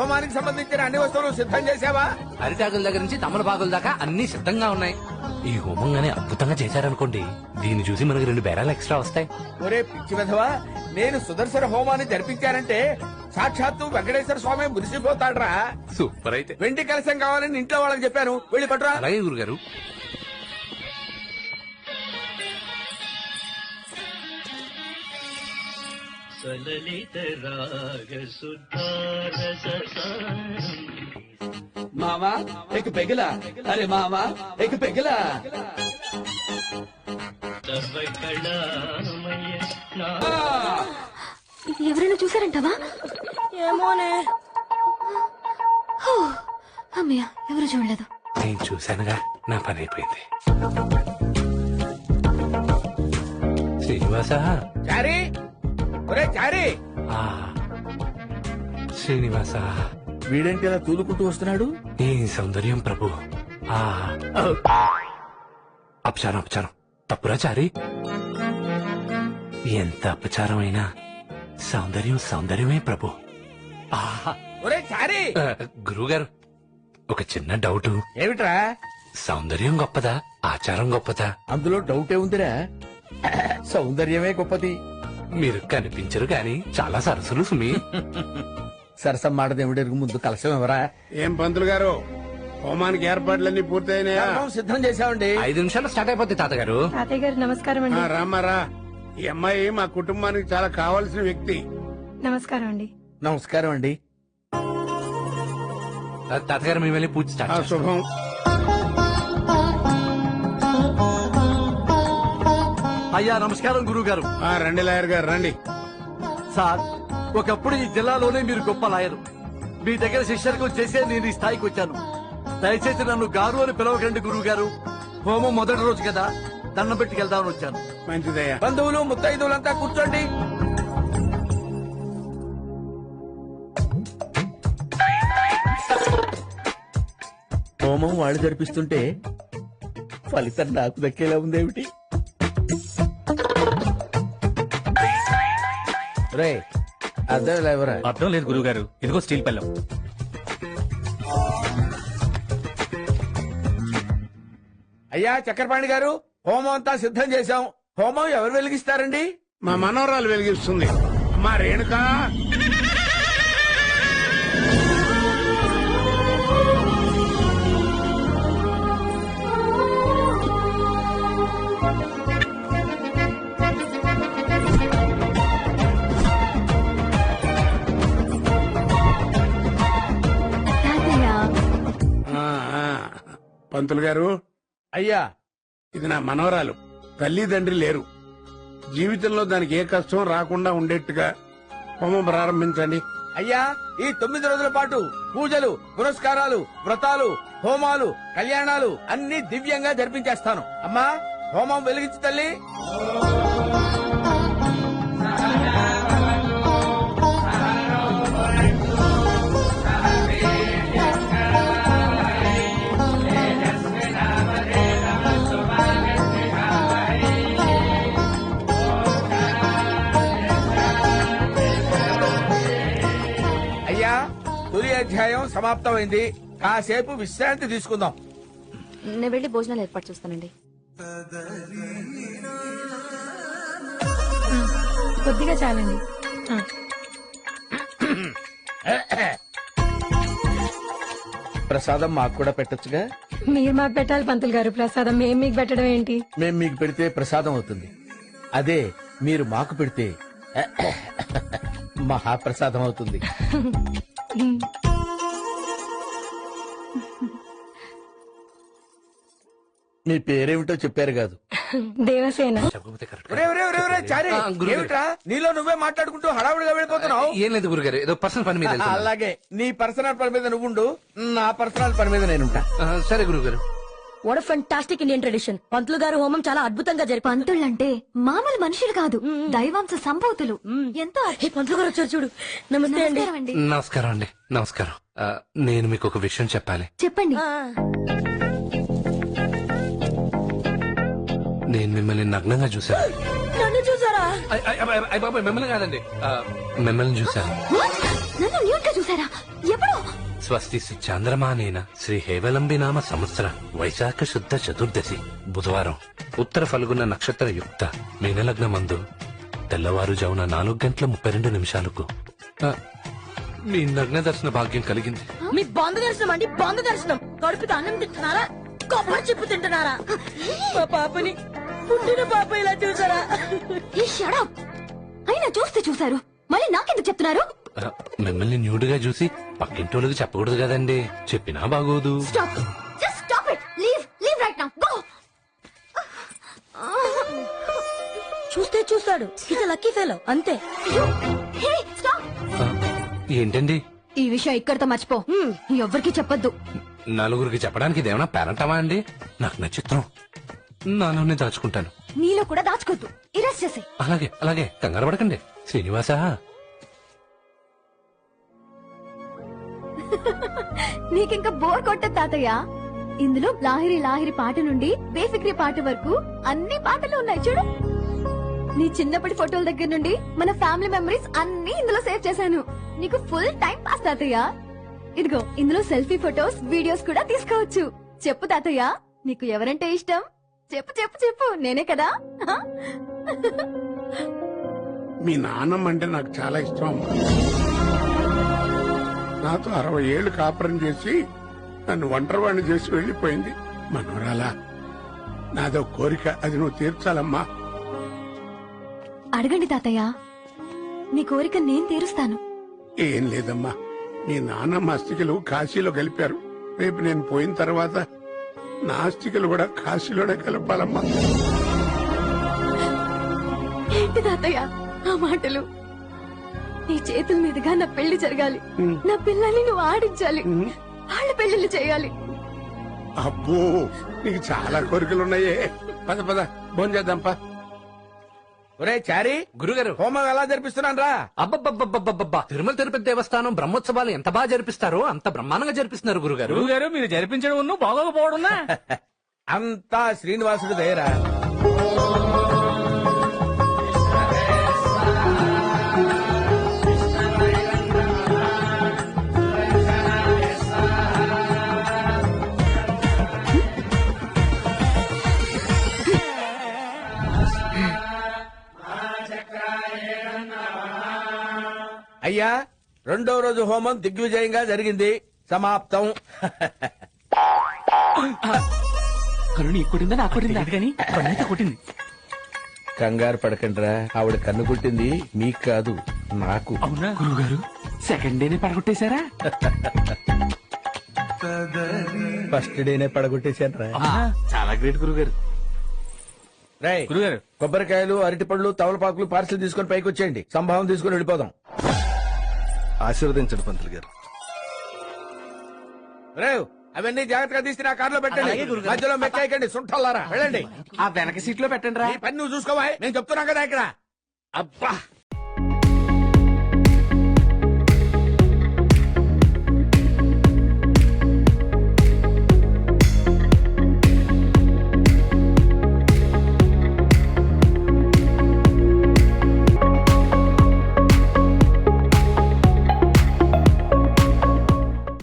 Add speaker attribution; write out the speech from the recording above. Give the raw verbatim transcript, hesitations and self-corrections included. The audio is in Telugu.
Speaker 1: హోమానికి సంబంధించిన అన్ని వస్తువులు సిద్ధం చేసావా?
Speaker 2: అరిటాకుల దగ్గర నుంచి తమలపాకుల దాకా అన్ని సిద్ధంగా ఉన్నాయి. ఈ హోమం గానీ అద్భుతంగా చేశారనుకోండి, దీన్ని చూసి మనకి రెండు బేరాలు ఎక్స్ట్రా వస్తాయి.
Speaker 1: ఒరే పిచ్చి విధవా, నేను సుదర్శన హోమాన్ని జరిపించానంటే సాక్షాత్తు వెంకటేశ్వర స్వామి మురిసిపోతాడ్రా.
Speaker 2: సూపర్. అయితే
Speaker 1: వెండి కలశం కావాలని ఇంట్లో వాళ్ళకి చెప్పాను, వెళ్ళి పట్టురా.
Speaker 2: అలాగే గురుగారు.
Speaker 1: మామా एक పెగిలా, అరే మామా एक పెగిలా.
Speaker 3: ఇది ఎవరైనా చూసారంటావా?
Speaker 4: ఏమోనే.
Speaker 3: అమ్మయ్య, ఎవరు చూడలేదు.
Speaker 2: నేను చూశానుగా, నా పని అయిపోయింది. శ్రీనివాస.
Speaker 1: చారీ, ఒరే చారీ.
Speaker 2: ఆ, శ్రీనివాస.
Speaker 1: వీడేంటి ఇలా తూలుకుంటూ వస్తున్నాడు?
Speaker 2: ఈ సౌందర్యం ప్రభు. ఆ అపచారం అపచారం తప్పురా చారి. ఎంత అపచారం అయినా సౌందర్యం సౌందర్యమే ప్రభు.
Speaker 1: ఒరే చారీ.
Speaker 2: గురువుగారు, ఒక చిన్న డౌట్.
Speaker 1: ఏమిట్రా?
Speaker 2: సౌందర్యం గొప్పదా, ఆచారం గొప్పదా?
Speaker 1: అందులో డౌటే ఉందిరా, సౌందర్యమే గొప్పది.
Speaker 2: మీరు కనిపించరు గాని చాలా సరసులు సుమి.
Speaker 1: సరసం మాటదేమిడెరుగు, ముందు కలశం ఎవరా?
Speaker 5: ఏం పంతులు గారు, హోమానికి ఏర్పాట్లన్నీ పూర్తయినాయా?
Speaker 1: సిద్ధం చేశామండి.
Speaker 2: ఐదు నిమిషాలు స్టార్ట్ అయిపోద్ది తాతగారు.
Speaker 4: తాతయ్య గారు నమస్కారం అండి.
Speaker 5: రామారా, ఈ అమ్మాయి మా కుటుంబానికి చాలా కావాల్సిన వ్యక్తి.
Speaker 4: నమస్కారం అండి.
Speaker 1: నమస్కారం అండి.
Speaker 2: తాతగారు మేము వెళ్ళి పూజ
Speaker 5: ఆ
Speaker 2: స్టార్ట్ చేస్తాం.
Speaker 5: శుభం.
Speaker 6: అయ్యా నమస్కారం గురువు గారు.
Speaker 5: ఆ రండి లాయర్ గారు రండి.
Speaker 6: సార్, ఒకప్పుడు ఈ జిల్లాలోనే మీరు గొప్ప లాయరు. మీ దగ్గర శిష్యర్కం చేసే నేను ఈ స్థాయికి వచ్చాను. దయచేసి నన్ను గారు అని పిలవకండి గురువు గారు. హోమం మొదటి రోజు కదా, దండం పెట్టుకెళ్దామని వచ్చాను.
Speaker 5: మంచిదయ్యా.
Speaker 1: బంధువులు ముత్తైదువులంతా కూర్చోండి. హోమం వాళ్ళు జరిపిస్తుంటే ఫలితం నాకు దక్కేలా ఉందేమిటి? రే అర్థం లేవరా?
Speaker 7: అర్థం లేదు గురుగారు, ఇదిగో స్టీల్ పళ్ళం.
Speaker 1: అయ్యా చక్రపాణి గారు, హోమం అంతా సిద్ధం చేశాం. హోమం ఎవరు వెలిగిస్తారండి?
Speaker 5: మా మనవరాలు వెలిగిస్తుంది. మా రేణుకా. ఆ, ఆ. పంతులు గారు,
Speaker 1: అయ్యా
Speaker 5: ఇది నా మనవరాలు. తల్లిదండ్రి లేరు. జీవితంలో దానికి ఏ కష్టం రాకుండా ఉండేట్టుగా హోమం ప్రారంభించండి.
Speaker 1: అయ్యా, ఈ తొమ్మిది రోజుల పాటు పూజలు, పురస్కారాలు, వ్రతాలు, హోమాలు, కళ్యాణాలు అన్ని దివ్యంగా జరిపించేస్తాను. అమ్మా, హోమం వెలిగించు తల్లి. అయ్యా, తొలి అధ్యాయం సమాప్తమైంది. కాసేపు విశ్రాంతి తీసుకుందాం.
Speaker 3: నేను వెళ్ళి భోజనాలు ఏర్పాటు చేస్తానండి.
Speaker 4: కొద్దిగా చాలండి.
Speaker 1: ప్రసాదం మాకు కూడా పెట్టొచ్చుగా?
Speaker 4: మీరు మాకు పెట్టాలి పంతులు గారు. ప్రసాదం మేము మీకు పెట్టడం ఏంటి?
Speaker 1: మేం మీకు పెడితే ప్రసాదం అవుతుంది. అదే మీరు మాకు పెడితే మహాప్రసాదం అవుతుంది. మీ పేరేమిటో చెప్పారు కాదు?
Speaker 4: దేవసేన.
Speaker 2: చెప్పకపోతే కరెక్ట్.
Speaker 1: ఒరే, ఒరే, ఒరే, ఒరే, చారీ,
Speaker 2: ఆ, గురుగారు.
Speaker 1: ఏమిట్రా నీలో నువ్వే మాట్లాడుకుంటూ హడావుడిగా వెళ్ళిపోతున్నావు?
Speaker 2: ఏం లేదు గురుగారు, ఏదో పర్సనల్ పని మీద
Speaker 1: ఆ,
Speaker 2: వెళ్తున్నాను.
Speaker 1: అలాగే నీ పర్సనల్ పని మీద నువ్వుండు, నా పర్సనల్ పని మీద నేనుంటా.
Speaker 2: ఆ, సరే గురుగారు.
Speaker 4: What a fantastic Indian tradition. పంతులు గారు హోమం చాలా అద్భుతంగా జరిపి.
Speaker 3: పంతుళ్ళంటే మామూలు మనుషులు కాదు, దైవాంశ సంభూతులు. ఎంతో అద్భుతం.
Speaker 4: పంతులు గారు వచ్చారు చూడు. నమస్తే అండి.
Speaker 3: నమస్కారం అండి.
Speaker 2: నమస్కారం అండి. నమస్కారం. ఆ, నేను మీకు ఒక విషయం చెప్పాలి.
Speaker 3: చెప్పండి.
Speaker 4: ఆ,
Speaker 2: నేను మిమ్మల్ని నగ్నంగా చూశాను.
Speaker 4: నన్ను చూసారా?
Speaker 2: అయ్, అయ్, అయ్, అయ్ బాబాయ్, మిమ్మల్ని కాదండి, ఆ, మిమ్మల్ని చూశాను.
Speaker 3: What? నన్ను న్యూట్ గా చూసారా? ఎప్పుడు?
Speaker 2: స్వస్తి చాంద్రమానేన శ్రీ హేవలంబి నామ సంవత్సర వైశాఖ శుద్ధ చతుర్దశి బుధవారం ఉత్తర ఫల్గుణ నక్షత్ర యుక్త మీనలగ్న మందు తెల్లవారుజామున నాలుగు గంటల ముప్పై రెండు నిమిషాలకు ఆ, మీ నగ్న దర్శన భాగ్యం కలిగింది.
Speaker 4: మీ బంధు దర్శనం అండి బంధు దర్శనం. కడుపుతో అన్నం తింటున్నారా, కొబ్బరి చెప్పు తింటున్నారా? మా పాపని పుట్టిన పాప ఇలా చూసారా?
Speaker 3: ఈ shut up. అయినా చూస్తే చూసారు, మళ్ళీ నాకెందుకు చెప్తున్నారు?
Speaker 2: ఆ, మిమ్మల్ని న్యూడ్గా చూసి పక్కింటోళ్ళకి చెప్పకూడదు కదండి, చెప్పినా బాగోదు.
Speaker 3: Stop. Just stop it. Leave. Leave right now. Go.
Speaker 4: చూస్తే చూస్తాడు. ఇది లక్కీ ఫెలో అంతే.
Speaker 3: అయ్యో. Hey, stop.
Speaker 2: ఆ, ఏంటండి
Speaker 3: ఈ విషయం ఇక్కడితో మర్చిపో. ఎవ్వరికి చెప్పొద్దు.
Speaker 2: నలుగురికి చెప్పడానికి ఇదేమన్నా పేరంటమా అండి? నాకు నచ్చిత్రం నాలోనే దాచుకుంటాను.
Speaker 3: నీలో కూడా దాచుకోద్దు. ఇరెస్ట్ చేసే.
Speaker 2: అలాగే అలాగే కంగారు పడకండి శ్రీనివాస.
Speaker 3: నీకింకా బోర్ కొట్టదు తాతయ్య. ఇందులో లాహిరి లాహిరి పాట నుండి బేఫిక్రీ పాట వరకు అన్ని పాటలు ఉన్నాయి చూడు. నీ చిన్నప్పటి ఫోటోల దగ్గర నుండి మన ఫ్యామిలీ మెమరీస్ అన్ని ఇందులో సేవ్ చేశాను. నీకు ఫుల్ టైం పాస్ తాతయ్య. ఇదిగో ఇందులో సెల్ఫీ ఫోటోస్ వీడియోస్ కూడా తీసుకోవచ్చు. చెప్పు తాతయ్య, నీకు ఎవరంటే ఇష్టం? చెప్పు చెప్పు చెప్పు. నేనే కదా.
Speaker 5: మీ నాన్నమ్మ అంటే నాకు చాలా ఇష్టం అమ్మా. నాతో అరవై ఏళ్లు కాపురం చేసి నన్ను ఒంటరివాణ్ణి చేసి వెళ్లిపోయింది. మనోరాలా, నాదో కోరిక, అది నువ్వు తీర్చాలమ్మా.
Speaker 3: అడగండి తాతయ్య, మీ కోరిక నేను తీరుస్తాను.
Speaker 5: ఏం లేదమ్మా, మీ నాన్నమ్మ అస్థికలు కాశీలో కలిపారు. రేపు నేను పోయిన తర్వాత నా అస్థికలు కూడా కాశీలోనే కలపాలమ్మా.
Speaker 3: ఏంటి తాతయ్య ఆ మాటలు? నీ చేతుల మీదుగా నా పెళ్లి జరగాలి. నా పిల్లల్ని నువ్వు ఆడించాలి. వాళ్ళ పెళ్లిళ్ళు చేయాలి.
Speaker 5: అబ్బో, నీకు చాలా కోరికలున్నాయే. పద పద భోంచేద్దాంపా.
Speaker 1: ఒరే చారీ,
Speaker 2: గురుగారు,
Speaker 1: హోమం ఎలా జరిపిస్తున్నాను రా?
Speaker 2: అబ్బబ్బబ్బబ్బబ్బబ్బా, తిరుమల తిరుపతి దేవస్థానం బ్రహ్మోత్సవాలు ఎంత బాగా జరిపిస్తారో అంత బ్రహ్మాండంగా జరిపిస్తున్నారు గురుగారు.
Speaker 7: గురువు గారు మీరు జరిపించడం బాగోకపోవడం
Speaker 1: అంతా శ్రీనివాసుడు దయరా. అయ్యా, రెండో రోజు హోమం దిగ్విజయంగా జరిగింది. సమాప్తం.
Speaker 7: కరుణ కొట్టిందా నాకు కొట్టిందా కానీ కన్నైతే కొట్టింది.
Speaker 1: కంగారు పడకండిరా, ఆవిడ కన్ను కొట్టింది మీకు కాదు, నాకు.
Speaker 7: అవునా గురువు గారు, సెకండ్ డేనే పడగొట్టేశారా?
Speaker 1: ఫస్ట్ డేనే పడగొట్టేశాను రా.
Speaker 7: చాలా గ్రేట్ గురువు గారు.
Speaker 1: రేయ్,
Speaker 7: గురుగారు,
Speaker 1: కొబ్బరికాయలు, అరటిపళ్ళు, తవలపాకులు పార్సల్ తీసుకుని పైకి వచ్చేయండి. సంభావం తీసుకుని వెళ్ళిపోదాం.
Speaker 8: ఆశీర్వదించండి పంతులు గారు.
Speaker 1: రేవ్, అవన్నీ జాగ్రత్తగా తీసి నా కారులో పెట్టండి. మధ్యలో మెక్కాయకండి, సుంఠల్లారా. వెళ్ళండి.
Speaker 7: ఆ వెనక సీట్ లో పెట్టండి రా.
Speaker 1: ఈ పని నువ్వు చూసుకోవా, నేను చెప్తున్నా కదా ఇక్కడ.
Speaker 7: అబ్బా